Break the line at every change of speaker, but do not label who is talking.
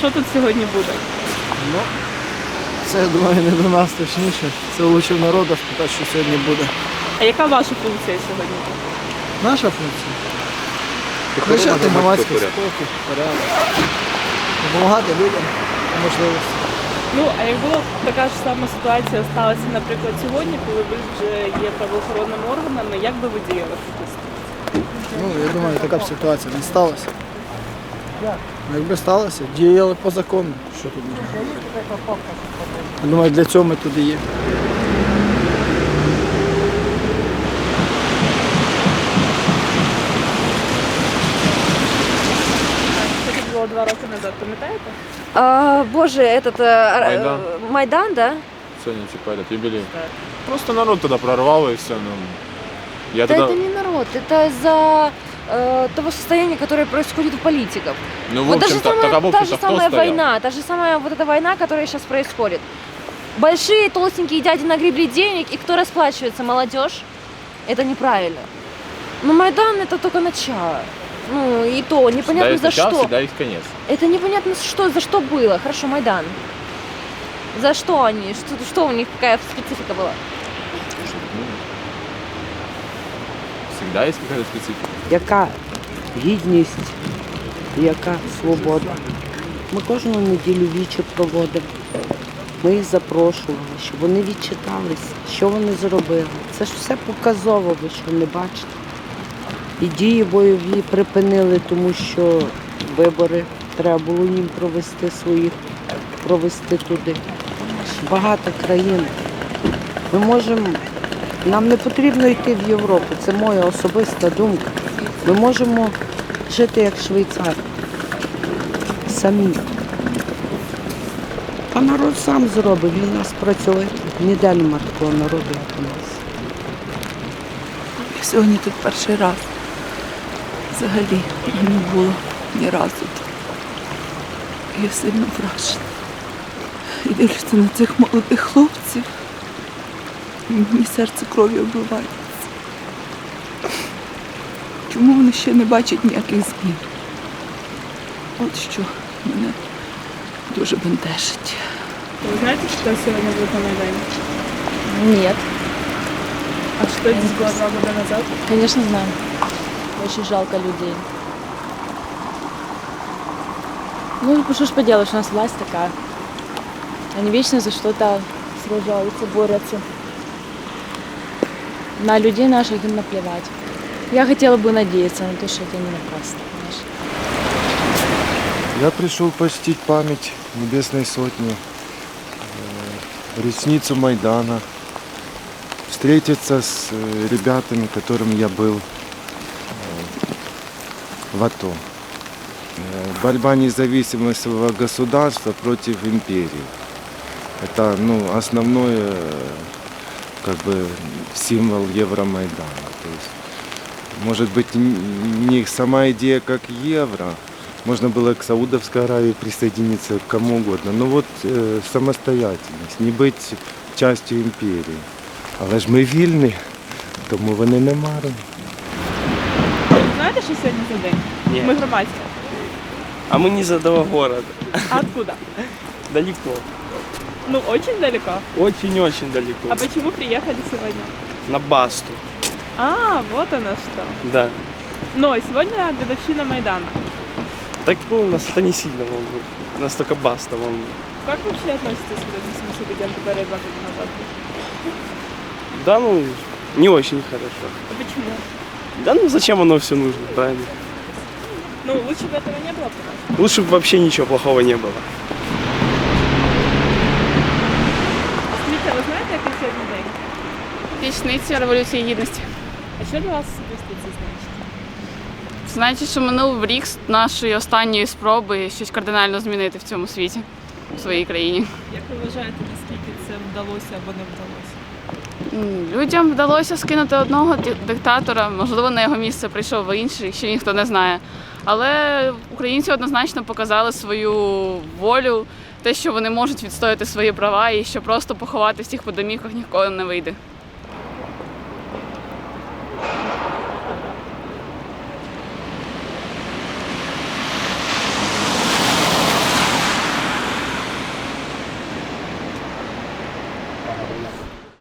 що тут сьогодні буде?
Ну, це, я думаю, не до нас точніше. Це лучше в народу спитати, що сьогодні буде.
А яка ваша функція сьогодні?
Наша функція? Захищати громадський спокій, порядок. Допомагати людям по можливості.
Ну, а як була така ж сама ситуація сталася, наприклад, сьогодні, коли ви вже є правоохоронними органами, як би ви діяли?
Ну, я думаю, така б ситуація не сталася. Ну, якби сталося, діяли по закону. Що тут можна говорити? Я думаю, для цього ми тут і є.
Це було 2 роки назад, пам'ятаєте?
Боже, этот
Майдан.
Майдан, да?
Сегодня типа этот юбилей. Просто народ тогда прорвал и все. Ну, я
Да
тогда...
это не народ, это из-за того состояния, которое происходит у политиков.
Ну, в
Вот
общем-то, так, а в
та
общем-то,
же
кто
самая
стоял?
война, та же самая вот эта война, которая сейчас происходит. Большие толстенькие дяди нагребли денег, и кто расплачивается? Молодежь. Это неправильно. Но Майдан это только начало. Ну и то, непонятно
Всегда
за
есть начало,
что.
всегда есть конец.
Это непонятно что, за что было. Хорошо, Майдан. За что они? Что у них, какая специфика была?
Ну, всегда есть какая-то специфика.
Яка гідність, яка свобода. Ми кожну неділю вічі проводимо. Ми їх запрошували, щоб вони відчиталися, що вони зробили. Це ж все показово, ви що не бачите. І дії бойові припинили, тому що вибори треба було їм провести туди. Багато країн. Ми можемо, нам не потрібно йти в Європу, це моя особиста думка. Ми можемо жити як швейцар. Самі. А народ сам зробить, він нас працює. Ніде нема такого народу, як у нас.
Я сьогодні тут перший раз. Взагалі не було ні разу тут. Я сильно вражена. І дивлюся на цих молодих хлопців. І мені серце кров'ю обливається. Чому вони ще не бачать ніяких змін? От що мене дуже бентежить.
Ви знаєте, що сьогодні буде на Майдані?
Нет,
А що здесь було 2 роки назад?
конечно, знаю. Очень жалко людей. Ну, что ж поделаешь, у нас власть такая. Они вечно за что-то сражаются, борются. На людей наших им наплевать. Я хотела бы надеяться на то, что это не напрасно, понимаешь?
Я пришел почтить память Небесной Сотни, речницу Майдана, встретиться с ребятами, которыми я был в АТО. Борьба независимого государства против империи. Это основной символ Евромайдана. То есть, может быть, не сама идея как евро, можно было к Саудовской Аравии присоединиться, к кому угодно. Но вот самостоятельность, не быть частью империи. Але ж ми вільні, тому вони не марні.
Ви знаєте, що сьогодні за день?
Нет.
Ми громадські.
А мы не из этого города.
А откуда?
Далеко.
Ну, очень далеко.
Очень-очень далеко.
А почему приехали сегодня?
На Басту.
А, вот оно что.
Да.
Но сегодня годовщина Майдана.
Так у нас это не сильно волнует. Нас только Баста волнует.
Как вы вообще относитесь к этим событиям, которые 2 года назад были?
Да, не очень хорошо.
А почему?
Да, зачем оно все нужно, правильно?
Ну, лучше бы этого не было, потому
Лучше бы вообще ничего плохого не было.
Скажіть, а ви знаєте, який сьогодні день?
Річниця Революції Гідності.
А що для вас особисто це значить?
Значить, що минув рік з нашої останньої спроби щось кардинально змінити в цьому світі, в своїй країні.
Як ви вважаєте, наскільки це вдалося або не вдалося?
Людям вдалося скинути одного диктатора, можливо, на його місце прийшов інший, ще ніхто не знає. Але українці однозначно показали свою волю, те, що вони можуть відстояти свої права і що просто поховати всіх по домівках ніколи не вийде.